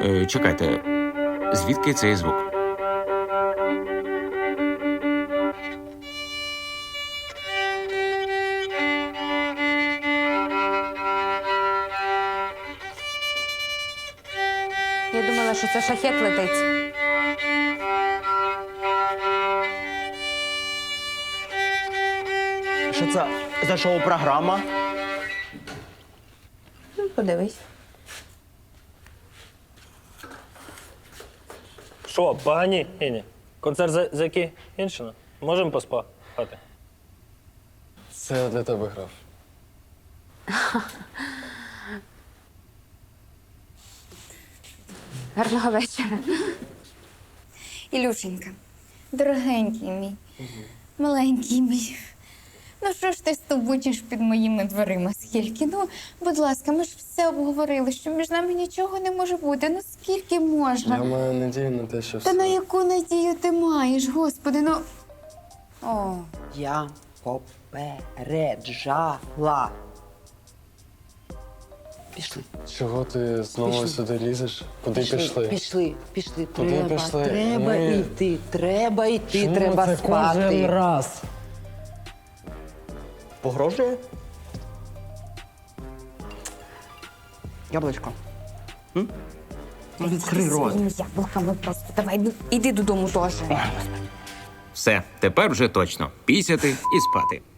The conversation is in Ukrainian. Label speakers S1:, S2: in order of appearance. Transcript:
S1: Чекайте, звідки цей звук?
S2: Я думала, що це шахет летить.
S3: Що це за шоу-програма?
S2: Подивись.
S4: Що, погані, Іні? Концерт закінчено? Можемо поспати?
S5: Це я для тебе грав.
S2: Гарного вечора.
S6: Ілюшенька, дорогенький мій, маленький мій. Ну що ж ти стовбучиш під моїми дверима скільки? Ну, будь ласка, ми ж все обговорили, що між нами нічого не може бути. Ну скільки можна?
S5: Я маю надію на те, що
S6: Та
S5: все.
S6: на яку надію ти маєш, господи, ну.
S7: О, я попереджала. Пішли.
S5: Чого ти знову
S7: Пішли.
S5: сюди лізеш? Куди пішли?
S7: Пішли.
S5: Куди пішли?
S7: Треба
S5: Ми-
S7: йти,
S5: Чому
S7: треба
S5: це
S7: спати.
S5: кожен раз?
S3: Погрожує? Яблучко. Відкрий рот.
S6: Своїми яблуками просто. Давай, ну, іди додому теж.
S1: Все, тепер вже точно. Пісяти і спати.